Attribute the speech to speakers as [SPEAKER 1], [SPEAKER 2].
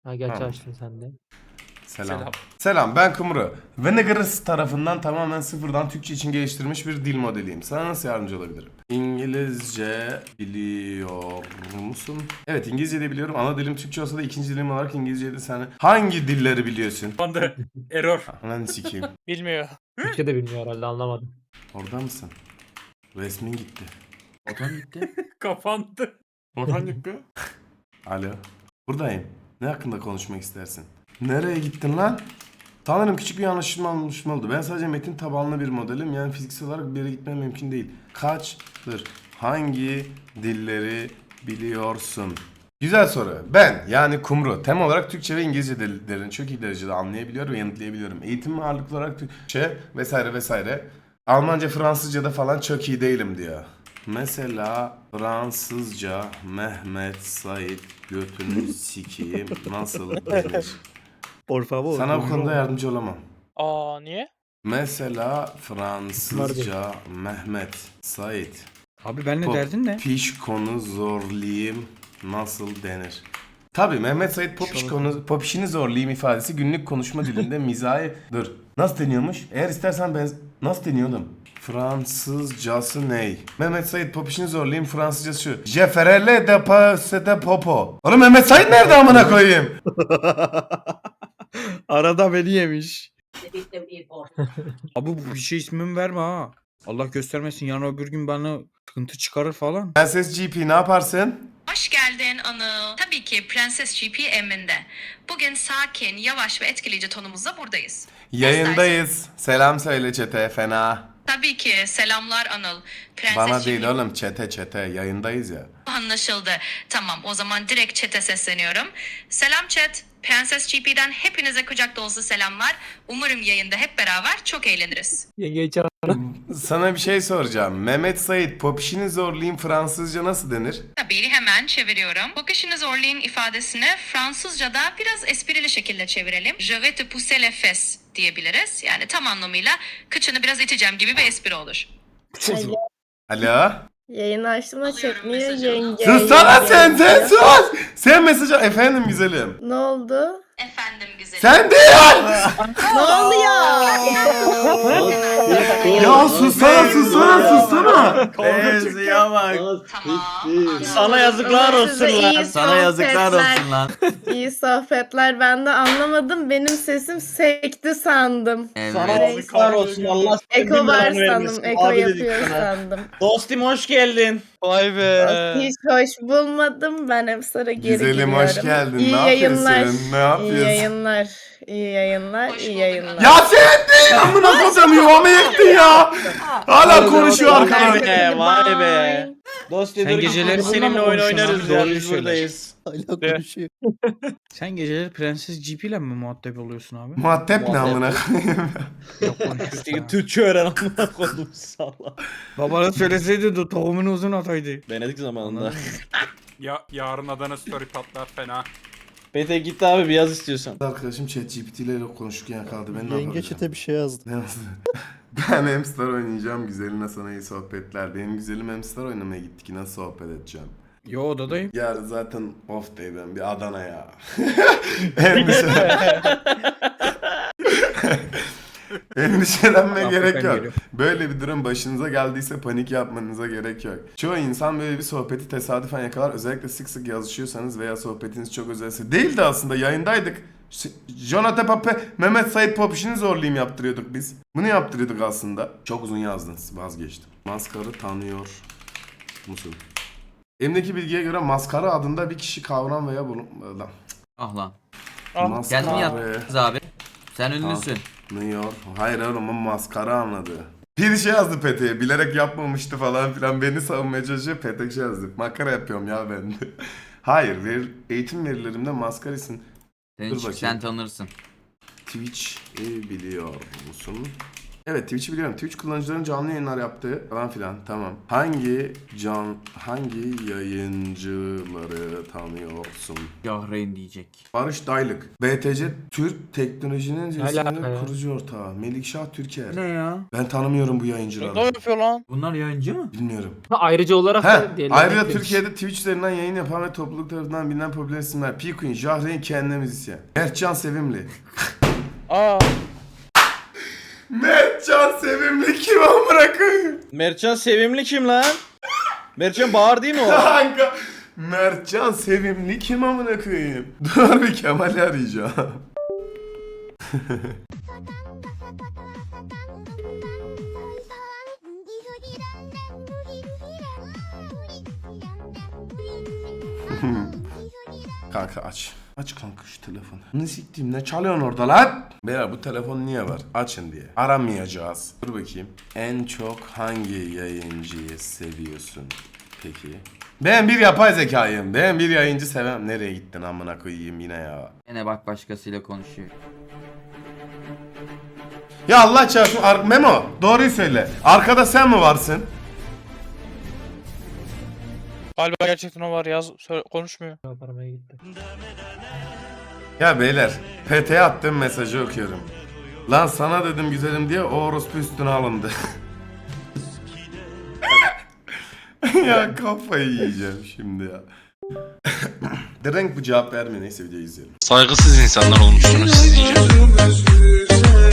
[SPEAKER 1] Ha gerçi
[SPEAKER 2] Tamam.
[SPEAKER 1] açtın sen de.
[SPEAKER 2] Selam. Selam, ben Kumru. Venegaris tarafından tamamen sıfırdan Türkçe için geliştirilmiş bir dil modeliyim. Sana nasıl yardımcı olabilirim? İngilizce biliyor musun? Evet, İngilizce de biliyorum. Ana dilim Türkçe olsa da ikinci dilim olarak İngilizce'de sen hangi dilleri biliyorsun?
[SPEAKER 3] Bende error.
[SPEAKER 2] Lan sikeyim.
[SPEAKER 4] Bilmiyor.
[SPEAKER 1] Türkçe de bilmiyor herhalde, anlamadım.
[SPEAKER 2] Orada mısın? Resmin gitti.
[SPEAKER 5] Otan gitti.
[SPEAKER 3] Kapandı.
[SPEAKER 5] Otan gitti.
[SPEAKER 2] Alo. Buradayım. Ne hakkında konuşmak istersin? Nereye gittin lan? Sanırım küçük bir anlaşılma oldu. Ben sadece metin tabanlı bir modelim. Yani fiziksel olarak bir yere gitmem mümkün değil. Kaçtır? Hangi dilleri biliyorsun? Güzel soru. Ben yani Kumru temel olarak Türkçe ve İngilizce dillerini çok iyi derecede anlayabiliyor ve yanıtlayabiliyorum. Eğitim ağırlıklı olarak Türkçe vesaire vesaire. Almanca, Fransızca'da falan çok iyi değilim diyor. Mesela Fransızca Mehmet Said götünü sikeyim nasıl denir?
[SPEAKER 6] Por favor.
[SPEAKER 2] Sana bu konuda yardımcı olamam.
[SPEAKER 4] Aa niye?
[SPEAKER 2] Mesela Fransızca Mehmet Said.
[SPEAKER 6] Abi benimle derdin ne?
[SPEAKER 2] Popişkonu zorlayayım nasıl denir? Tabii Mehmet Said popişini zorlayayım ifadesi günlük konuşma dilinde mizahi... Dur. Nasıl deniyormuş? Eğer istersen ben... Nasıl deniyor oğlum? Fransızcası ney? Mehmet Said popişini zorlayayım Fransızcası şu. Je ferai le dépasse de popo. Oğlum Mehmet Said nerede amına koyayım?
[SPEAKER 6] Arada beni yemiş. Abi bu bir şey ismimi verme ha. Allah göstermesin yarın öbür gün bana sıkıntı çıkarır falan.
[SPEAKER 2] Prenses GP ne yaparsın?
[SPEAKER 7] Hoş geldin Anıl. Tabii ki Prenses GP emrinde. Bugün sakin, yavaş ve etkileyici tonumuzla buradayız.
[SPEAKER 2] Yayındayız. Selam söyle çete fena.
[SPEAKER 7] Tabii ki selamlar Anıl. Prenses
[SPEAKER 2] Bana
[SPEAKER 7] GP
[SPEAKER 2] değil oğlum çete yayındayız ya.
[SPEAKER 7] anlaşıldı. Tamam o zaman direkt chat'e sesleniyorum. Selam chat. Prenses GP'den hepinize kucak dolusu selamlar. Umarım yayında hep beraber çok eğleniriz.
[SPEAKER 1] Yengeyi çağır.
[SPEAKER 2] Sana bir şey soracağım. Mehmet Said popişini zorlayayım Fransızca nasıl denir?
[SPEAKER 7] Tabii hemen çeviriyorum. Bu kişinin zorlayın ifadesini Fransızca'da biraz esprili şekilde çevirelim. Je vais te pousser les fesses diyebiliriz. Yani tam anlamıyla kıçını biraz iteceğim gibi bir espri olur.
[SPEAKER 2] Alo?
[SPEAKER 8] Yayını açtım da
[SPEAKER 7] Alıyorum
[SPEAKER 8] çekmiyor
[SPEAKER 7] mesajı.
[SPEAKER 8] yenge.
[SPEAKER 2] Sussana
[SPEAKER 8] yenge
[SPEAKER 2] sen
[SPEAKER 8] diyor.
[SPEAKER 2] sus! Sen mesajı efendim güzelim.
[SPEAKER 8] Ne oldu?
[SPEAKER 7] Efendim güzelim.
[SPEAKER 2] Sen değil!
[SPEAKER 8] Ne oluyor?
[SPEAKER 2] Ya sussana!
[SPEAKER 5] Benziyor bak.
[SPEAKER 7] Tamam.
[SPEAKER 6] Sana yazıklar olsun
[SPEAKER 8] Size
[SPEAKER 6] lan.
[SPEAKER 8] iyi
[SPEAKER 5] Sana yazıklar
[SPEAKER 8] sohbetler.
[SPEAKER 5] olsun lan.
[SPEAKER 8] İyi sohbetler. Ben de anlamadım. Benim sesim sekti sandım.
[SPEAKER 5] Evet.
[SPEAKER 6] yazıklar olsun Allah.
[SPEAKER 8] Eko var sandım. Eko yapıyor sandım.
[SPEAKER 6] Dostum hoş geldin.
[SPEAKER 4] Vay be.
[SPEAKER 8] Hiç hoş bulmadım. Ben hep sonra geri
[SPEAKER 2] Güzelim
[SPEAKER 8] giriyorum.
[SPEAKER 2] hoş geldin.
[SPEAKER 8] İyi
[SPEAKER 2] Ne
[SPEAKER 8] yayınlar.
[SPEAKER 2] yapıyorsun? Ne yapıyorsun?
[SPEAKER 8] İyi yayınlar. İyi yayınlar.
[SPEAKER 7] Hoş
[SPEAKER 8] İyi
[SPEAKER 7] bulduk.
[SPEAKER 8] yayınlar.
[SPEAKER 2] Ya sen değil amına koyacağım yuvamı yıktın ya. Hala konuşuyor
[SPEAKER 6] Vay
[SPEAKER 2] arkadan.
[SPEAKER 6] be, vay be. Dost
[SPEAKER 8] Sen
[SPEAKER 6] dur
[SPEAKER 8] geceleri bununla
[SPEAKER 6] seninle
[SPEAKER 8] mı
[SPEAKER 6] oyun
[SPEAKER 8] konuşuyorsun
[SPEAKER 6] oynarız
[SPEAKER 8] abi?
[SPEAKER 6] ya
[SPEAKER 8] Doğruyu
[SPEAKER 6] biz
[SPEAKER 8] söyle.
[SPEAKER 6] buradayız.
[SPEAKER 9] Hala konuşuyor.
[SPEAKER 6] Sen geceleri Prenses GP ile mi muhatap oluyorsun abi?
[SPEAKER 2] Muhatap ne amına koyayım?
[SPEAKER 6] Yok konuşuyorsun ha.
[SPEAKER 9] Türkçe öğren amına koydum salla.
[SPEAKER 6] Babana söyleseydi de tohumunu uzun ataydı.
[SPEAKER 9] Venedik zamanında.
[SPEAKER 6] Anladın
[SPEAKER 3] Ya yarın Adana story patlar fena.
[SPEAKER 9] Pete gitti abi bir yaz istiyorsan.
[SPEAKER 2] Arkadaşım ChatGPT ile konuşurken yakaladı. Ben ne
[SPEAKER 9] Yenge
[SPEAKER 2] yapacağım?
[SPEAKER 9] çete bir şey yazdı.
[SPEAKER 2] Ne yazdı? Ben Hamster oynayacağım. Güzeline sana iyi sohbetler. Benim güzelim Hamster oynamaya gittik. Nasıl sohbet edeceğim?
[SPEAKER 6] Yo odadayım.
[SPEAKER 2] Yarın zaten off day ben. Bir Adana'ya. Endişelenmeye
[SPEAKER 6] Afrika
[SPEAKER 2] gerek yok.
[SPEAKER 6] geliyor.
[SPEAKER 2] Böyle bir durum başınıza geldiyse panik yapmanıza gerek yok. Çoğu insan böyle bir sohbeti tesadüfen yakalar. Özellikle sık sık yazışıyorsanız veya sohbetiniz çok özelse. Değildi aslında yayındaydık. Jonathan Pape, Mehmet Said Popişini zorlayayım yaptırıyorduk biz. Bunu yaptırıyorduk aslında. Çok uzun yazdınız. Vazgeçtim. Maskarı tanıyor musun? Elimdeki bilgiye göre maskara adında bir kişi kavram veya bulun...
[SPEAKER 5] Ah lan.
[SPEAKER 4] Ah.
[SPEAKER 5] Geldin mi yaptınız abi? Sen ünlüsün.
[SPEAKER 2] Tanıyor. Hayır oğlum o maskara anladı. Bir şey yazdı Pete'ye. Bilerek yapmamıştı falan filan. Beni savunmaya çalışıyor. Pete şey yazdı. Makara yapıyorum ya ben de. Hayır. Eğitim verilerimde maskarisın.
[SPEAKER 5] Sen,
[SPEAKER 2] Dur bakayım.
[SPEAKER 5] sen tanırsın.
[SPEAKER 2] Twitch biliyor musun? Evet, Twitch'i biliyorum. Twitch kullanıcıların canlı yayınlar yaptığı falan filan. Tamam. Hangi yayıncıları tanıyorsun?
[SPEAKER 5] Yahreyn diyecek.
[SPEAKER 2] Barış Daylık. BTC Türk Teknoloji'nin
[SPEAKER 1] alaka ya?
[SPEAKER 2] kurucu ortağı. Melikşah Türker.
[SPEAKER 5] Ne ya?
[SPEAKER 2] Ben tanımıyorum bu
[SPEAKER 4] Ne
[SPEAKER 2] yayıncıları.
[SPEAKER 4] yapıyor lan?
[SPEAKER 5] Bunlar yayıncı mı?
[SPEAKER 2] Bilmiyorum.
[SPEAKER 1] Ha, ayrıca olarak da diyelim.
[SPEAKER 2] Ayrıca Türkiye'de Twitch üzerinden yayın yapan ve topluluk tarafından bilinen popüler isimler. P-Queen, Jahreyn kendine müzisyen. Mertcan Sevimli.
[SPEAKER 4] Aa.
[SPEAKER 2] Mertcan Sevimli kim amına koyayım?
[SPEAKER 9] Mertcan Sevimli kim lan? Mertcan Bağır değil mi o?
[SPEAKER 2] Kanka. Mertcan Sevimli kim amına koyayım? Dur bir Kemal'i arayacağım. Kanka aç. Aç kanka şu telefonu. Ne siktiğim ne çalıyorsun orada lan? Beyler bu telefon niye var? Açın diye. Aramayacağız. Dur bakayım. En çok hangi yayıncıyı seviyorsun? Peki. Ben bir yapay zekayım. Ben bir yayıncı sevmem. Nereye gittin amına koyayım yine ya.
[SPEAKER 5] Yine bak başkasıyla konuşuyor.
[SPEAKER 2] Ya Allah çarpsın. Memo doğruyu söyle. Arkada sen mi varsın?
[SPEAKER 4] Galiba gerçekten o var yaz konuşmuyor.
[SPEAKER 1] Aramaya gitti.
[SPEAKER 2] Ya beyler. PT'ye attığım mesajı okuyorum. Lan sana dedim güzelim diye o orospu üstüne alındı. Ya kafayı yiyeceğim şimdi ya. Drink bu cevap vermiyor. Neyse videoyu izleyelim.
[SPEAKER 10] Saygısız insanlar olmuşsunuz siz iyice.